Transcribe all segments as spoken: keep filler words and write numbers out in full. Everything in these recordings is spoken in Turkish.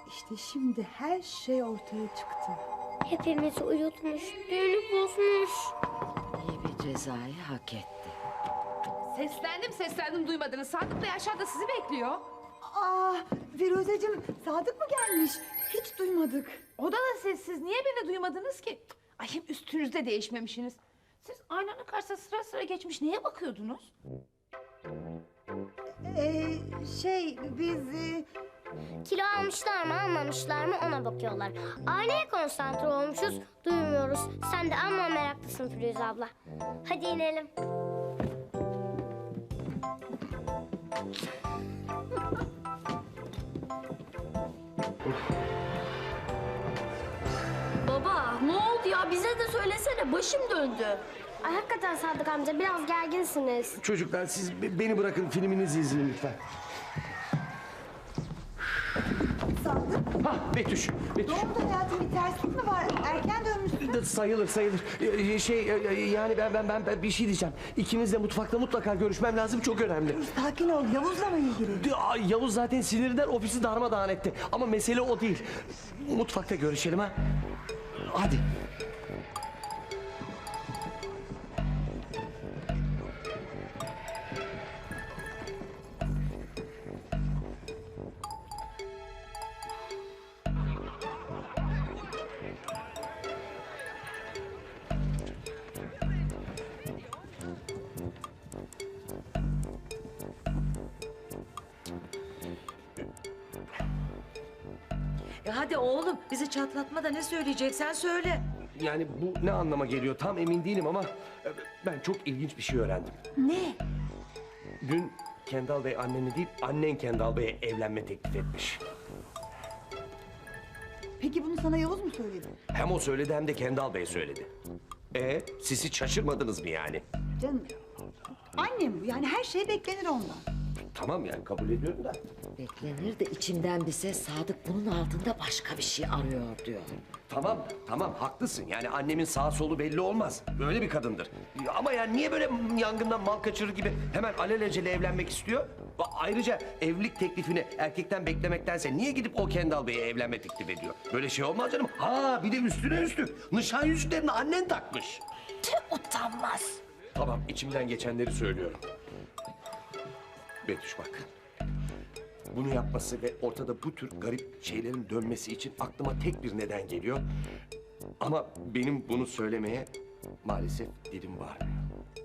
İşte şimdi her şey ortaya çıktı. Hepimizi uyutmuş, düğünü bozmuş. İyi bir cezayı hak etti. Seslendim seslendim duymadınız. Sadık Bey aşağıda sizi bekliyor. Aa, Firuzeciğim, Sadık mı gelmiş? Hiç duymadık. O da da sessiz. Niye beni duymadınız ki? Ay hem üstünüzde değişmemişsiniz. Siz aynanın karşısına sıra sıra geçmiş neye bakıyordunuz? Ee, şey biz... E... Kilo almışlar mı almamışlar mı ona bakıyorlar. Aynaya konsantre olmuşuz, duymuyoruz. Sen de amma meraklısın Firuze abla. Hadi inelim. Baba ne oldu ya? Bize de söylesene. Başım döndü. Ay hakikaten Sadık amca biraz gerginsiniz. Çocuklar siz be- beni bırakın, filminizi izleyin lütfen. Sadık, Hah Betüş, Betüş. ne oldu hayatım? Bir terslik mi var? Erken dönmüşsün. Sayılır sayılır. Ee, Şey e, yani ben ben ben ben bir şey diyeceğim. İkiniz de mutfakta mutlaka görüşmem lazım, çok önemli. Sakin ol, Yavuz'la mı ilgili? Ay, Yavuz zaten sinirinden ofisi darmadağın etti. Ama mesele o değil. Mutfakta görüşelim ha. Hadi. E hadi oğlum bizi çatlatma da ne söyleyeceksen söyle. Yani bu ne anlama geliyor tam emin değilim ama e, ben çok ilginç bir şey öğrendim. Ne? Dün Kendal Bey annene değil, annen Kendal Bey'e evlenme teklif etmiş. Peki bunu sana Yavuz mu söyledi? Hem o söyledi hem de Kendal Bey söyledi. E siz hiç şaşırmadınız mı yani? Canım, annem bu. Yani her şey beklenir ondan. Tamam yani kabul ediyorum da. Beklenir de içimden bir ses Sadık bunun altında başka bir şey arıyor diyor. Tamam, tamam haklısın. Yani annemin sağ solu belli olmaz. Böyle bir kadındır. Ama yani niye böyle yangından mal kaçırır gibi hemen alelacele evlenmek istiyor? Ba- Ayrıca evlilik teklifini erkekten beklemektense niye gidip o Kendal Bey'e evlenme teklif ediyor? Böyle şey olmaz canım. Ha bir de üstüne üstlük. Nişan yüzüklerini annen takmış. Tüh utanmaz. Tamam içimden geçenleri söylüyorum. Betüş bak. Bunu yapması ve ortada bu tür garip şeylerin dönmesi için aklıma tek bir neden geliyor. Ama benim bunu söylemeye maalesef dilim varmıyor.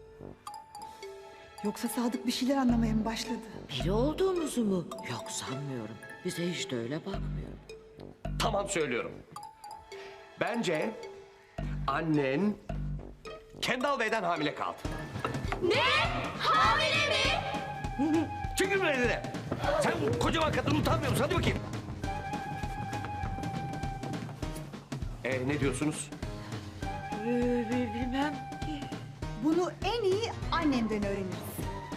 Yoksa Sadık bir şeyler anlamaya mı başladı? Biri olduğumuzu mu? Yok sanmıyorum. Bize hiç de öyle bakmıyor. Tamam söylüyorum. Bence annen Kendal Bey'den hamile kaldı. Ne? Hamile mi? Çıkın önüne. Sen kocaman kadın utanmıyor musun? Hadi bakayım. Ee, ne diyorsunuz? Ee, bilmem. Bunu en iyi annemden öğreniriz.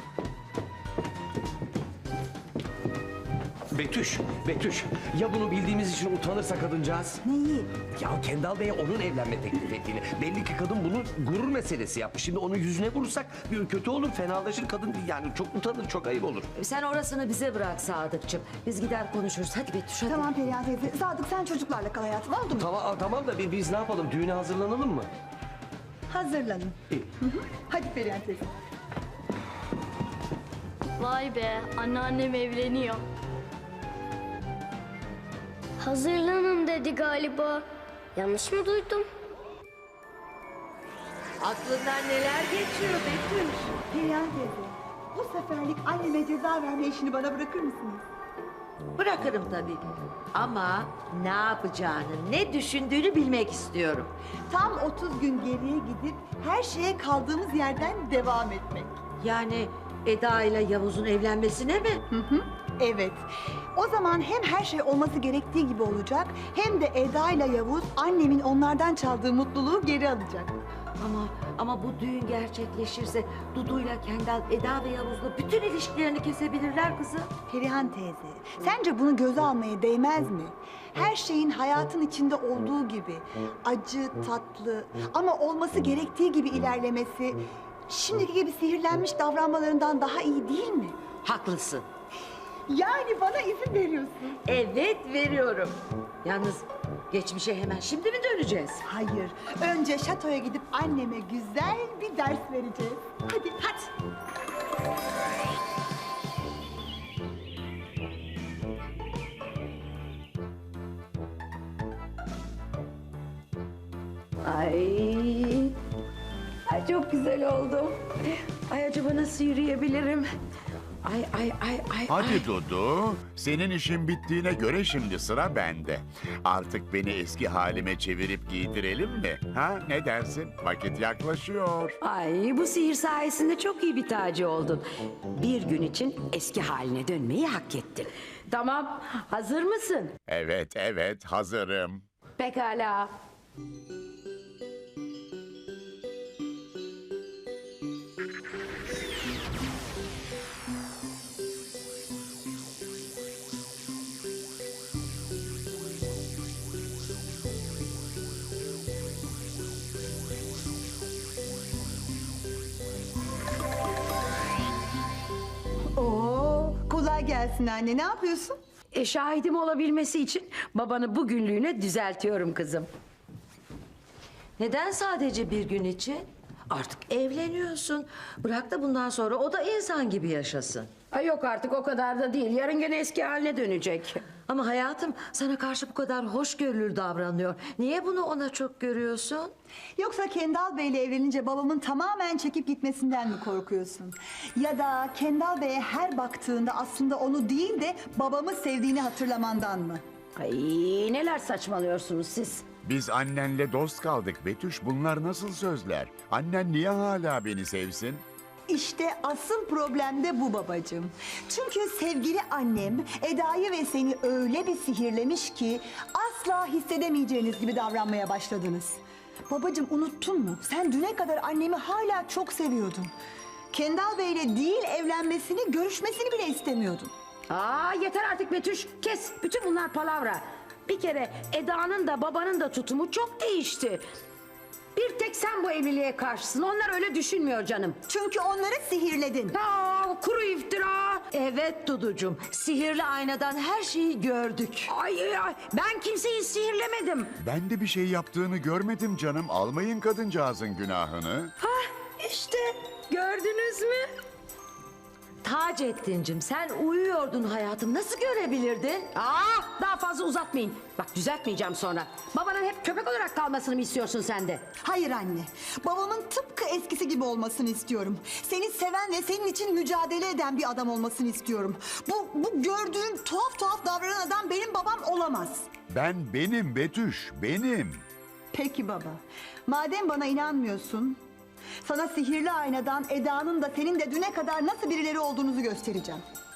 Betüş, Betüş. Ya bunu bildiğimiz için utanırsa kadıncağız? Neyi? Ya Kendal Bey'e onun evlenme teklif ettiğini. Belli ki kadın bunu gurur meselesi yapmış. Şimdi onun yüzüne vurursak bir kötü olur, fenalaşır kadın. Yani çok utanır, çok ayıp olur. Sen orasını bize bırak Sadıkçım. Biz gider konuşuruz. Hadi Betüş hadi. Tamam Perihan teyze. Sadık sen çocuklarla kal hayatım, oldu mu? Tamam, tamam da bi- biz ne yapalım? Düğüne hazırlanalım mı? Hazırlanın. İyi. Hı hı. Hadi Perihan teyze. Vay be anneannem evleniyor. Hazırlanın dedi galiba. Yanlış mı duydum? Aklından neler geçiyor Betüş? Perihan teyze, bu seferlik anneme ceza verme işini bana bırakır mısınız? Bırakırım tabii. Ama ne yapacağını, ne düşündüğünü bilmek istiyorum. Tam otuz gün geriye gidip her şeye kaldığımız yerden devam etmek. Yani Eda ile Yavuz'un evlenmesine mi? Hı hı. Evet. O zaman hem her şey olması gerektiği gibi olacak, hem de Eda ile Yavuz annemin onlardan çaldığı mutluluğu geri alacak. Ama ama bu düğün gerçekleşirse Dudu'yla Kendal, Eda ve Yavuz'la bütün ilişkilerini kesebilirler kızım. Perihan teyze, sence bunu göze almaya değmez mi? Her şeyin hayatın içinde olduğu gibi acı, tatlı ama olması gerektiği gibi ilerlemesi şimdiki gibi sihirlenmiş davranmalarından daha iyi değil mi? Haklısın. Yani bana izin veriyorsun. Evet veriyorum. Yalnız geçmişe hemen şimdi mi döneceğiz? Hayır, önce şatoya gidip anneme güzel bir ders vereceğiz. Hadi, hadi. Ay. Ay çok güzel oldu. Ay acaba nasıl yürüyebilirim? Ay ay ay ay. Hadi ay. Dudu, senin işin bittiğine göre şimdi sıra bende. Artık beni eski halime çevirip giydirelim mi? Ha, ne dersin? Vakit yaklaşıyor. Ay bu sihir sayesinde çok iyi bir tacı oldun. Bir gün için eski haline dönmeyi hak ettin. Tamam, hazır mısın? Evet, evet, hazırım. Pekala. Oo, kolay gelsin anne. Ne yapıyorsun? E, şahidim olabilmesi için babanı bugünlüğüne düzeltiyorum kızım. Neden sadece bir gün için? Artık evleniyorsun. Bırak da bundan sonra o da insan gibi yaşasın. Ay yok artık o kadar da değil. Yarın gene eski haline dönecek. Ama hayatım sana karşı bu kadar hoşgörülü davranıyor. Niye bunu ona çok görüyorsun? Yoksa Kendal Bey'le evlenince babamın tamamen çekip gitmesinden mi korkuyorsun? Ya da Kendal Bey'e her baktığında aslında onu değil de babamı sevdiğini hatırlamandan mı? Ay neler saçmalıyorsunuz siz? Biz annenle dost kaldık Betüş. Bunlar nasıl sözler? Annen niye hala beni sevsin? İşte asıl problem de bu babacığım. Çünkü sevgili annem Eda'yı ve seni öyle bir sihirlemiş ki asla hissedemeyeceğiniz gibi davranmaya başladınız. Babacığım unuttun mu? Sen düne kadar annemi hala çok seviyordun. Kendal Bey'le değil evlenmesini, görüşmesini bile istemiyordun. Aa yeter artık Betüş. Kes. Bütün bunlar palavra. Bir kere Eda'nın da babanın da tutumu çok değişti. Bir tek sen bu evliliğe karşısın. Onlar öyle düşünmüyor canım. Çünkü onları sihirledin. Aa, kuru iftira. Evet Duducuğum, sihirli aynadan her şeyi gördük. Ay, ay, ay, ben kimseyi sihirlemedim. Ben de bir şey yaptığını görmedim canım. Almayın kadıncağızın günahını. İşte gördünüz mü? Taceddin'cim sen uyuyordun hayatım. Nasıl görebilirdin? Aa, daha fazla uzatmayın. Bak düzeltmeyeceğim sonra. Babanın hep köpek olarak kalmasını mı istiyorsun sen de? Hayır anne. Babamın tıpkı eskisi gibi olmasını istiyorum. Seni seven ve senin için mücadele eden bir adam olmasını istiyorum. Bu, bu gördüğün tuhaf tuhaf davranan adam benim babam olamaz. Ben benim Betüş, benim. Peki baba. Madem bana inanmıyorsun, sana sihirli aynadan Eda'nın da senin de düne kadar nasıl birileri olduğunuzu göstereceğim.